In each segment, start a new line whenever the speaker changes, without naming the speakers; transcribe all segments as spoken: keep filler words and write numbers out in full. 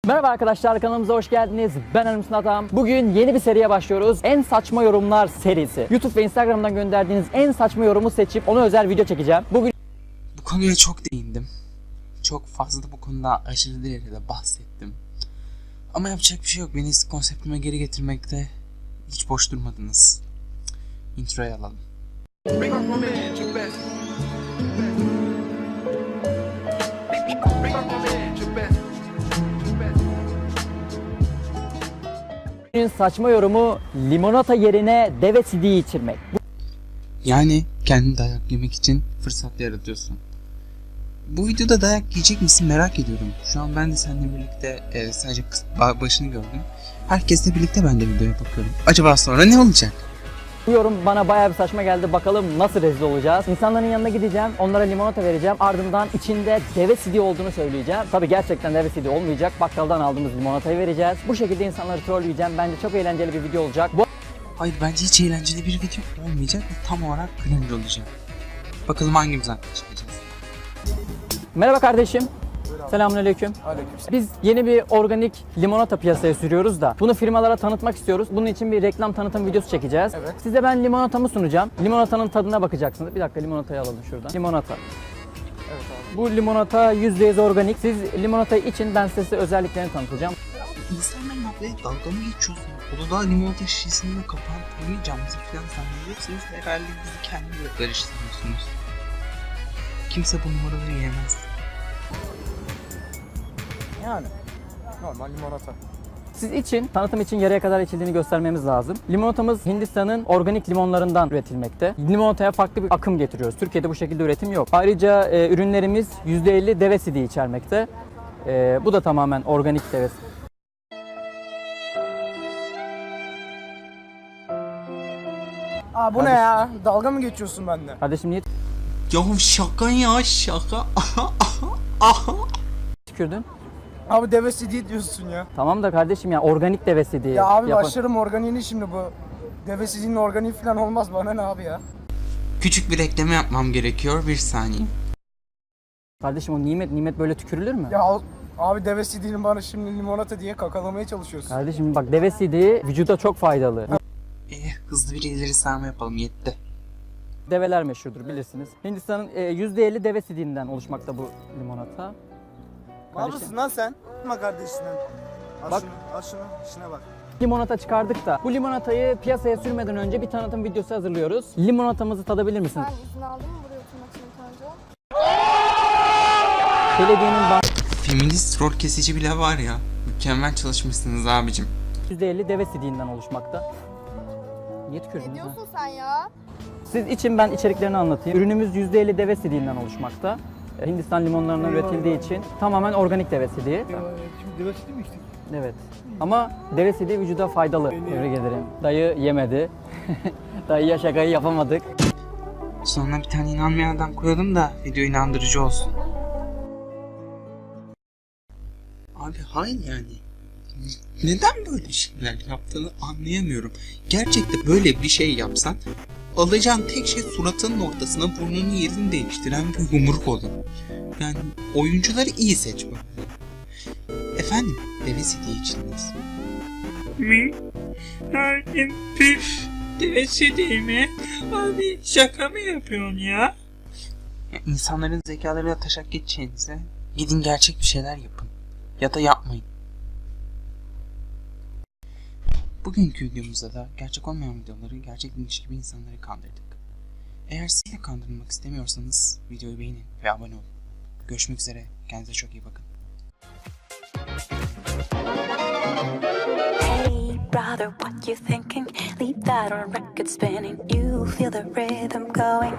Merhaba arkadaşlar, kanalımıza hoş geldiniz. Ben Ermüsün Atam. Bugün yeni bir seriye başlıyoruz. En saçma yorumlar serisi. YouTube ve Instagram'dan gönderdiğiniz en saçma yorumu seçip ona özel video çekeceğim. Bugün
bu konuya çok değindim. Çok fazla da bu konuda aşırı derecede bahsettim. Ama yapacak bir şey yok. Beni eski konseptime geri getirmekte hiç boş durmadınız. Intro'yu alalım. Bring up my man, your best.
Bugün saçma yorumu limonata yerine deve sidiği içirmek.
Yani kendini dayak yemek için fırsat yaratıyorsun. Bu videoda dayak yiyecek misin merak ediyorum. Şu an ben de seninle birlikte e, sadece başını gördüm. Herkesle birlikte ben de videoya bakıyorum. Acaba sonra ne olacak?
Bu yorum bana bayağı bir saçma geldi. Bakalım nasıl rezil olacağız. İnsanların yanına gideceğim, onlara limonata vereceğim. Ardından içinde deve sidiği olduğunu söyleyeceğim. Tabii gerçekten deve sidiği olmayacak. Bakkaldan aldığımız limonatayı vereceğiz. Bu şekilde insanları trolleyeceğim. Bence çok eğlenceli bir video olacak. Bu...
Hayır, bence hiç eğlenceli bir video olmayacak ve tam olarak cringe olacak. Bakalım hangimiz haklı çıkacağız.
Merhaba kardeşim. Selamünaleyküm.
Aleykümselam.
Biz yeni bir organik limonata piyasaya sürüyoruz da bunu firmalara tanıtmak istiyoruz. Bunun için bir reklam tanıtım videosu çekeceğiz.
Evet.
Size ben limonatamı sunacağım. Limonatanın tadına bakacaksınız. Bir dakika, limonatayı alalım şuradan. Limonata.
Evet abi.
Bu limonata yüzde yüz organik. Siz limonatayı için ben size özelliklerini tanıtacağım.
İnsanların ablaya dalga mı geçiyorsun? Uludağ limonata şişesinin kapağını tanımayacağımızı falan zannediyorsunuz. Herhalde bizi kendiyle karıştırıyorsunuz. Kimse bu numaraları yiyemez.
Yani normal limonata.
Siz için, tanıtım için yarıya kadar içildiğini göstermemiz lazım. Limonatamız Hindistan'ın organik limonlarından üretilmekte. Limonataya farklı bir akım getiriyoruz. Türkiye'de bu şekilde üretim yok. Ayrıca e, ürünlerimiz yüzde elli deve sidiği içermekte. E, bu da tamamen organik deve sidiği.
Aa bu ne ya? Dalga mı geçiyorsun benden?
Kardeşim niye
Ya şaka ya şaka. Aha.
tükürdün?
Abi devesi değil diyorsun ya.
Tamam da kardeşim ya, organik deve sidiği.
Ya abi
Yapan-
başlarım organiğini şimdi bu. Devesizin organiği falan olmaz, bana ne abi ya?
Küçük bir ekleme yapmam gerekiyor, bir saniye.
Kardeşim o nimet, nimet böyle tükürülür mü?
Ya al- abi devesi değilim, bana şimdi limonata diye kakalamaya çalışıyorsun.
Kardeşim bak, deve sidiği vücuda çok faydalı.
Eh, hızlı bir ileri sarma yapalım, yetti.
Develer meşhurdur, bilirsiniz. Hindistan'ın e, yüzde elli deve sidiğinden oluşmakta bu limonata.
Ne yapıyorsun lan sen? Yapma kardeşine. Al
Bak.
şunu, al şunu, işine bak.
Limonata çıkardık da bu limonatayı piyasaya sürmeden önce bir tanıtım videosu hazırlıyoruz. Limonatamızı tadabilir misiniz?
Sen izin aldın mı buraya oturmak için ilk önce?
Belediyenin ban-
Feminist rol kesici bile var ya. Mükemmel çalışmışsınız abicim.
yüzde elli deve sidiğinden oluşmakta. Niye
Ne
tükürdünüz ha?
diyorsun sen ya?
Siz için ben içeriklerini anlatayım. Ürünümüz yüzde elli deve sidiğinden oluşmakta. Hindistan limonlarından üretildiği için tamamen organik deve sidiği.
Şimdi deve sidiği mi içtik?
Evet. Ama deve sidiği vücuda faydalı. Tebrik ederim. Dayı yemedi. Dayıya şakayı yapamadık.
Sonra bir tane inanmayan adam koyalım da video inandırıcı olsun. Abi hayır yani. Neden böyle şeyler yaptığını anlayamıyorum. Gerçekten böyle bir şey yapsan alacağın tek şey suratının ortasına burnunun yerini değiştiren bir yumruk olur. Yani oyuncuları iyi seç bak. Efendim, deve sidiği içindeyiz. Mi? Hakim püf. Deve sidiği mi? Abi şaka mı yapıyorsun ya? Ya insanların zekalarıyla taşak geçeceğinize gidin gerçek bir şeyler yapın. Ya da yapmayın. Bugünkü videomuzda da gerçek olmayan videoları gerçekmiş gibi insanları kandırdık. Eğer siz de kandırılmak istemiyorsanız videoyu beğenin ve abone olun. Görüşmek üzere. Kendinize çok iyi bakın.
Hey brother, what you thinking? Leave that on record spinning. You feel the rhythm going.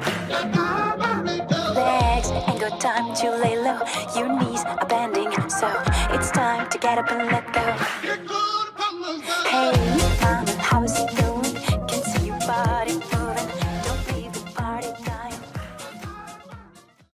Legs ain't got time to lay low. Your knees are bending, so it's time to get up and let go. Hey mama, how